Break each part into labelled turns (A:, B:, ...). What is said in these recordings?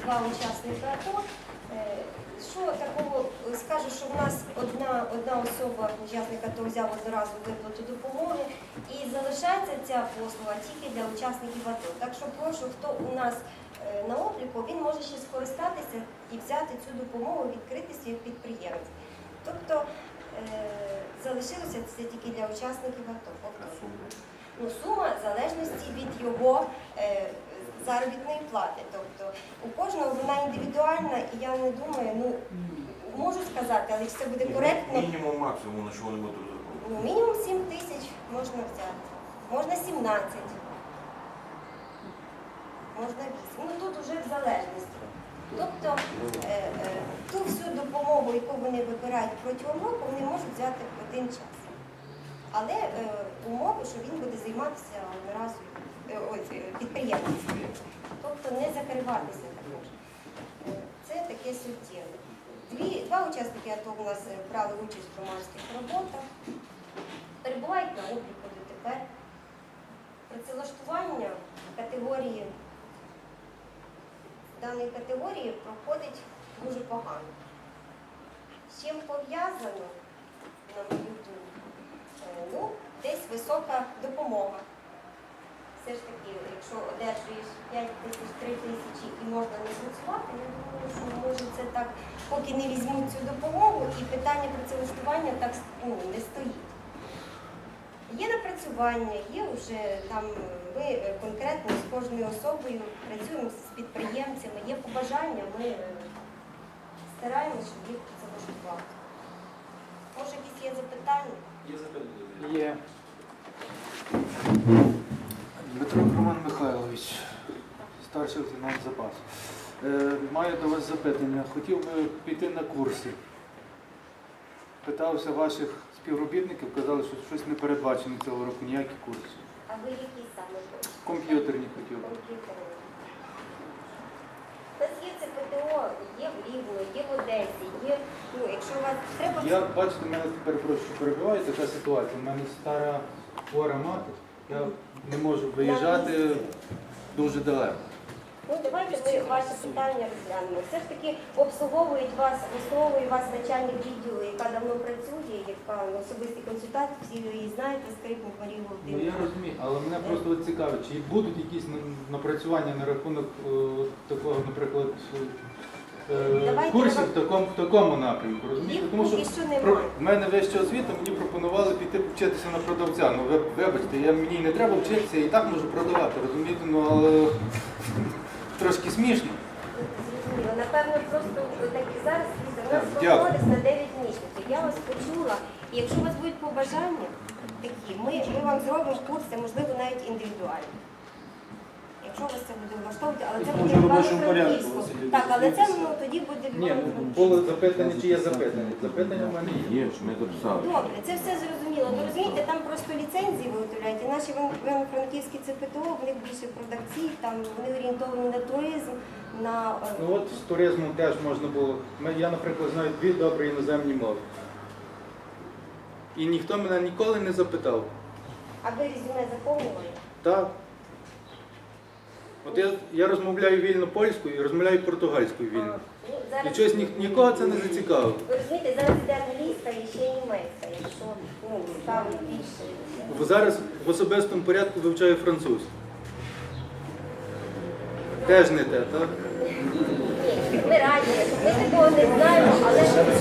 A: 2 учасника АТО. Що такого, скажу, що в нас одна особа, учасник АТО, взяв одноразову виплату допомоги і залишається ця послуга тільки для учасників АТО. Так що прошу, хто у нас на обліку, він може ще скористатися і взяти цю допомогу, відкрити свій підприємець. Тобто залишилося це тільки для учасників АТО. Ну, сума в залежності від його заробітної плати. Тобто у кожного вона індивідуальна, і я не думаю, ну, можу сказати, але все буде коректно.
B: Мінімум, максимум, на що вони будуть розраховувати?
A: Ну, мінімум 7 тисяч можна взяти. Можна 17. Можна 8. Ну тут вже в залежності. Тобто ту всю допомогу, яку вони вибирають протягом року, вони можуть взяти в один час. Але умови, що він буде займатися одноразовою підприємництвом. Тобто не закриватися також. Це таке суттєве. Два учасники АТО у нас брали участь в громадських роботах, перебувають на обліку дотепер. Працевлаштування даної категорії проходить дуже погано. З чим пов'язано, на мою думку, ну, десь висока допомога. Все ж таки, якщо одержуєш 5 тисяч, 3 тисячі і можна не працювати, я думаю, що може це так, поки не візьмуть цю допомогу, і питання працевлаштування так не стоїть. Є напрацювання, є вже там, ми конкретно з кожною особою працюємо з підприємцями, є побажання, ми стараємося, щоб їх працевлаштувати. Може, якісь є запитання?
C: Є запитання?
D: Є. Дмитро Роман Михайлович, старший лейтенант запасу. Маю до вас запитання. Хотів би піти на курси. Питався ваших співробітників, казали, що щось не передбачено цього року, ніякі курси.
A: А ви які саме хочете?
D: Комп'ютерні хотів би.
A: Комп'ютерні. У нас є ЦПТО, є в Рівно, є в Одесі, є, ну, якщо у вас треба...
D: Я, бачите, в мене тепер прошу перебуває така ситуація. У мене стара хвора мати, я не можу виїжджати дуже далеко.
A: Ну, давайте ми ваше питання розглянемо. Все ж таки обслуговує вас начальник відділу, яка давно працює, яка особисті консультації, всі ви її знаєте, Скрипник Марія
D: Ну,
A: Володимирівна.
D: я розумію, але мене просто от цікавить, чи будуть якісь напрацювання на рахунок такого, наприклад, курсів в такому напрямку, розумієте?
A: Їх
D: Тому що
A: поки що немає.
D: в мене вища освіта, мені пропонували піти вчитися на продавця. Ну, вибачте, мені не треба вчитися, і так можу продавати, розумієте? Ну, але трошки смішно.
A: Зрозуміло. Напевно, просто так і зараз у нас
D: Дякую.
A: проходить на 9 місяців. Я вас почула, і якщо у вас будуть побажання такі, ми вам зробимо курси, можливо, навіть індивідуальні. Якщо вас це буде влаштовувати, але це буде в Івано-Франківську. Так, але це тоді буде в
D: Ні,
A: Івано-Франківську.
D: було запитання, чи є запитання. Запитання в мене є.
B: Є, ми записали.
A: Добре, це все зрозуміло. Ви розумієте, там просто ліцензії виготовляють. І наші івано-франківські ЦПТО, в них більше продавці, там вони орієнтовані на туризм, на...
D: Ну от з туризмом теж можна було. Я, наприклад, знаю 2 добрі іноземні мови. І ніхто мене ніколи не запитав.
A: А ви резюме заповнювали?
D: Так. От я розмовляю вільно польською і розмовляю португальською вільно.
A: Ну,
D: І
A: зараз...
D: щось нікого це не зацікавило.
A: Ви розумієте, зараз йде англійська і ще німецька, якщо ставить більше.
D: Зараз в особистому порядку вивчаю французьку. Теж не те, так?
A: Ні, ми раді, ми такого не знаємо, але...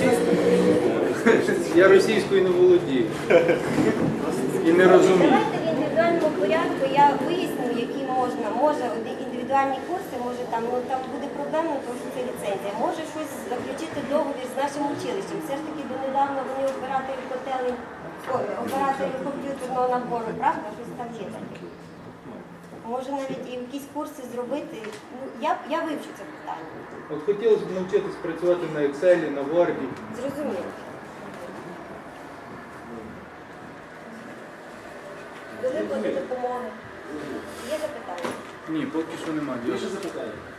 D: Я російською не володію. І не розумію.
A: Давайте в індивідуальному порядку я виясню, які можна. Може індивідуальні курси, може там буде проблемно, тому що це ліцензія. Може щось заключити договір з нашим училищем. Все ж таки донедавна вони оператори комп'ютерного набору, правда? Щось там є таке. Може навіть і якісь курси зробити. Ну, я вивчу це питання.
D: От хотілося б навчитись працювати на Excel, на Word.
A: Зрозуміло. До виплати допомоги. Є запитання?
D: Ні, поки що немає.
C: Більше запитання?